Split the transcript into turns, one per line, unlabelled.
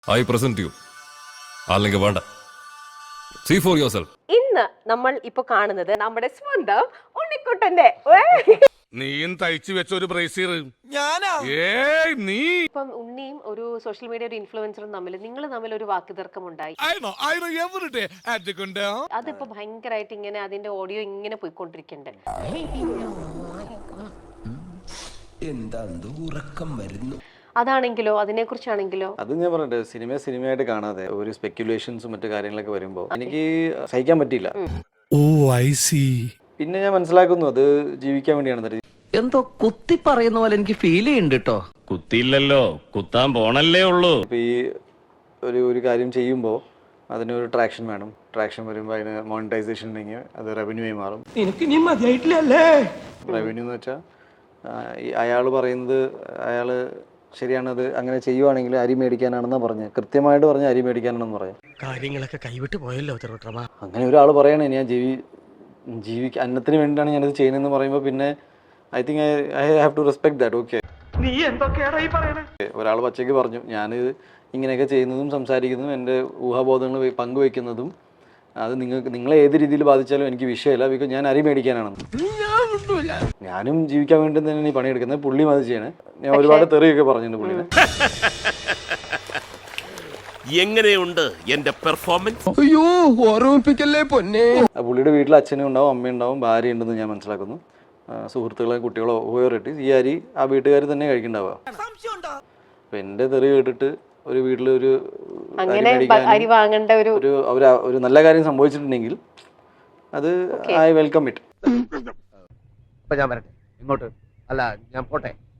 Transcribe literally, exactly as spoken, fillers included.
I present you. അല്ലെങ്കിൽ വേണ്ട. See for yourself.
ഇന്ന് നമ്മൾ ഇപ്പൊ കാണുന്നത് നമ്മുടെ സ്വന്തം ഉണ്ണിക്കുട്ടന്റെ
നീയും തയ്ച്ചു വെച്ച ഒരു ബ്രേസിയർ ഞാനാ ഏയ് നീ
ഇപ്പം ഉണ്ണിയും ഒരു സോഷ്യൽ മീഡിയ ഒരു ഇൻഫ്ലുവൻസറും തമ്മിൽ നിങ്ങൾ തമ്മിൽ ഒരു വാക്കുതർക്കം ഉണ്ടായി. അതിപ്പോ ഭയങ്കരമായിട്ട് ഇങ്ങനെ അതിന്റെ ഓഡിയോ ഇങ്ങനെ പോയിക്കൊണ്ടിരിക്കണ്ടേ.
എന്താ ഉറക്കം വരുന്നു.
അതാണെങ്കിലോ അതിനെ കുറിച്ചാണെങ്കിലോ
അത് ഞാൻ പറഞ്ഞിട്ട് സിനിമ സിനിമയായിട്ട് കാണാതെ ഒരു സ്പെക്യുലേഷൻസും മറ്റു കാര്യങ്ങളൊക്കെ വരുമ്പോൾ എനിക്ക് സഹിക്കാൻ പറ്റിയില്ല.
Oh I see.
പിന്നെ ഞാൻ മനസ്സിലാക്കുന്നു അത് ജീവിക്കാൻ വേണ്ടിയാണ്.
എന്തോ കുത്തി പറയുന്ന പോലെ എനിക്ക് ഫീൽ ചെയ്യുന്നുണ്ട് കേട്ടോ.
കുത്തിയില്ലല്ലോ, കുത്താൻ പോണല്ലേ ഉള്ളൂ.
ഇപ്പൊ ഈ ഒരു ഒരു കാര്യം ചെയ്യുമ്പോൾ അതിനൊരു ട്രാക്ഷൻ വേണം. ട്രാക്ഷൻ വരുമ്പോൾ അതിന് മോണിറ്റൈസേഷൻ ഉണ്ടെങ്കിൽ അത് റവന്യൂ ആയി മാറും. റവന്യൂ എന്ന് വെച്ചാൽ അയാൾ പറയുന്നത് അയാൾ ശരിയാണത് അങ്ങനെ ചെയ്യുവാണെങ്കിൽ അരി മേടിക്കാനാണെന്നാണ് പറഞ്ഞത്. കൃത്യമായിട്ട് പറഞ്ഞ അരി മേടിക്കാനാണെന്ന് പറയാം.
കാര്യങ്ങളൊക്കെ കൈവിട്ട് പോയല്ലോ.
അങ്ങനെ ഒരാൾ പറയണേ ഞാൻ ജീവി ജീവിക്ക അന്നത്തിന് വേണ്ടിയിട്ടാണ് ഞാനിത് ചെയ്യുന്നതെന്ന് പറയുമ്പോൾ പിന്നെ I think I I have to respect that. Okay, ഒരാൾ പച്ചയ്ക്ക് പറഞ്ഞു ഞാനിത് ഇങ്ങനെയൊക്കെ ചെയ്യുന്നതും സംസാരിക്കുന്നതും എൻ്റെ ഊഹാബോധങ്ങൾ പങ്കുവെക്കുന്നതും അത് നിങ്ങൾക്ക് നിങ്ങളെ ഏത് രീതിയിൽ ബാധിച്ചാലും എനിക്ക് വിഷയമില്ല. ബിക്കോസ് ഞാൻ അരി മേടിക്കാനാണെന്ന്. ഞാനും ജീവിക്കാൻ വേണ്ടി തന്നെ ഈ പണിയെടുക്കുന്നത്. പുള്ളിയും അത് ചെയ്യണേ. ഞാൻ ഒരുപാട് തെറിയൊക്കെ പറഞ്ഞിട്ടുണ്ട് പുള്ളിനെ.
എങ്ങനെയുണ്ട് എന്റെ പെർഫോമൻസ്?
അയ്യോ ഓർമ്മിപ്പിക്കല്ലേ പൊന്നെ.
പുള്ളിയുടെ വീട്ടിൽ അച്ഛനും ഉണ്ടാവും, അമ്മയുണ്ടാവും, ഭാര്യ ഉണ്ടെന്ന് ഞാൻ മനസ്സിലാക്കുന്നു. സുഹൃത്തുക്കളെ കുട്ടികളോ ഓരോട്ട് ഈ അരി ആ വീട്ടുകാർ തന്നെ കഴിക്കണ്ടാവുക. അപ്പൊ എൻ്റെ തെറി കേട്ടിട്ട് ഒരു വീട്ടിൽ ഒരു
അരി വാങ്ങേണ്ട ഒരു
ഒരു നല്ല കാര്യം സംഭവിച്ചിട്ടുണ്ടെങ്കിൽ അത് ഐ വെൽക്കം ഇറ്റ്.
ഞാൻ വരട്ടെ ഇങ്ങോട്ട്. അല്ല ഞാൻ പോട്ടെ.